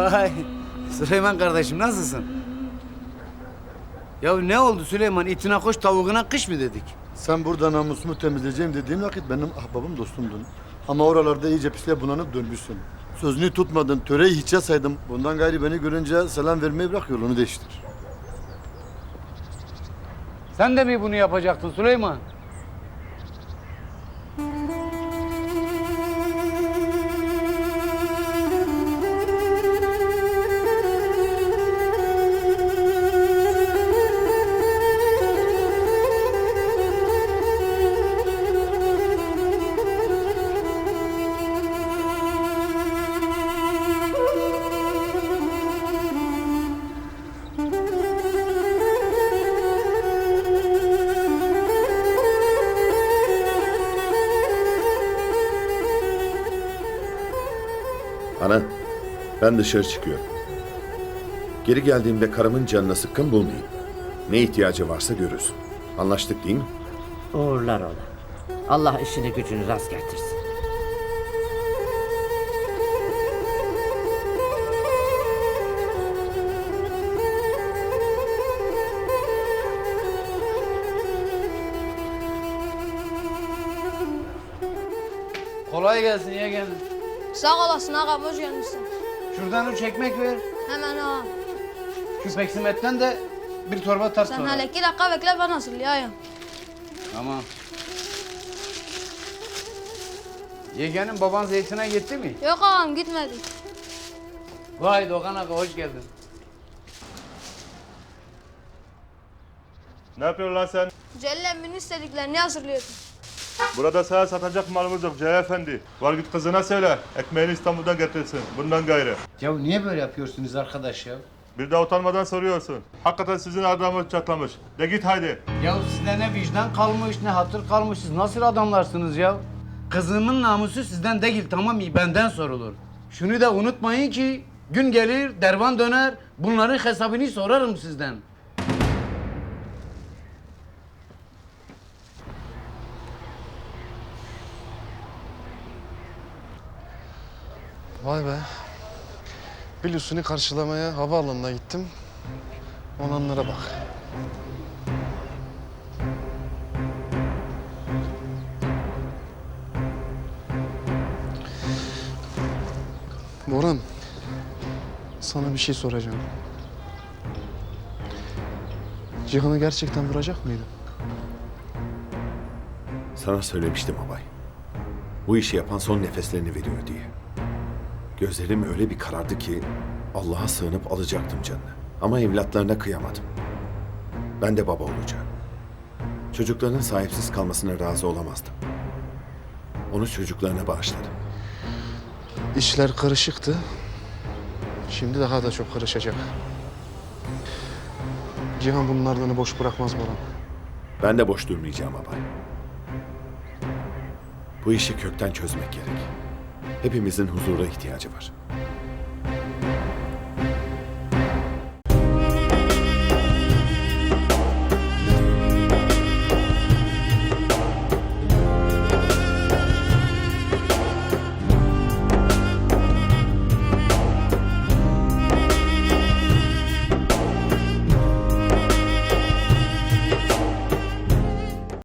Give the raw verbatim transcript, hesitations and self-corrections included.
Vay Süleyman kardeşim nasılsın? Ya ne oldu Süleyman? İtine koş tavuğuna kış mı dedik? Sen burada namusumu temizleyeceğim dediğin vakit benim ahbabım dostumdun. Ama oralarda iyice pisliğe bulanıp dönmüşsün. Sözünü tutmadın, töreyi hiçe saydım. Bundan gayri beni görünce selam vermeyi bırak, yolunu değiştir. Sen de mi bunu yapacaktın Süleyman? Ana, ben dışarı çıkıyorum. Geri geldiğimde karımın canına sıkkın bulmayayım. Ne ihtiyacı varsa görürsün. Anlaştık değil mi? Uğurlar ola. Allah işini gücünü rast getirsin. Kolay gelsin yeğenim. Sağ olasın ağam, hoş gelmişsin. Şuradan üç ekmek ver. Hemen ağam. Şu peksimetten de bir torba tart Sen sonra. hele iki dakika bekle, ben hazırlayayım. Tamam. Yeğenim baban zeytine gitti mi? Yok ağam, gitmedi. Vay Doğan abi hoş geldin. Ne yapıyorsun lan sen? Celil emminin istediklerini hazırlıyordum. Burada sana satacak malımız yok Celal Efendi. Var git kızına söyle. Ekmeğini İstanbul'dan getirsin. Bundan gayrı. Ya niye böyle yapıyorsunuz arkadaş ya? Bir de utanmadan soruyorsun. Hakikaten sizin adamınız çatlamış. De git haydi. Ya sizde ne vicdan kalmış ne hatır kalmış, siz nasıl adamlarsınız ya? Kızımın namusu sizden değil, tamam mı? Benden sorulur. Şunu da unutmayın ki gün gelir dervan döner, bunların hesabını sorarım sizden. Vay be. Bilus'unu karşılamaya havaalanına gittim. Olanlara bak. Boran, sana bir şey soracağım. Cihan'ı gerçekten vuracak mıydın? Sana söylemiştim abay. Bu işi yapan son nefeslerini veriyor diye. Gözlerim öyle bir karardı ki Allah'a sığınıp alacaktım canını. Ama evlatlarına kıyamadım. Ben de baba olacağım. Çocuklarının sahipsiz kalmasına razı olamazdım. Onu çocuklarına bağışladım. İşler karışıktı. Şimdi daha da çok karışacak. Cihan bunun ardını boş bırakmaz Boran. Ben de boş durmayacağım abay. Bu işi kökten çözmek gerek. Hepimizin huzura ihtiyacı var.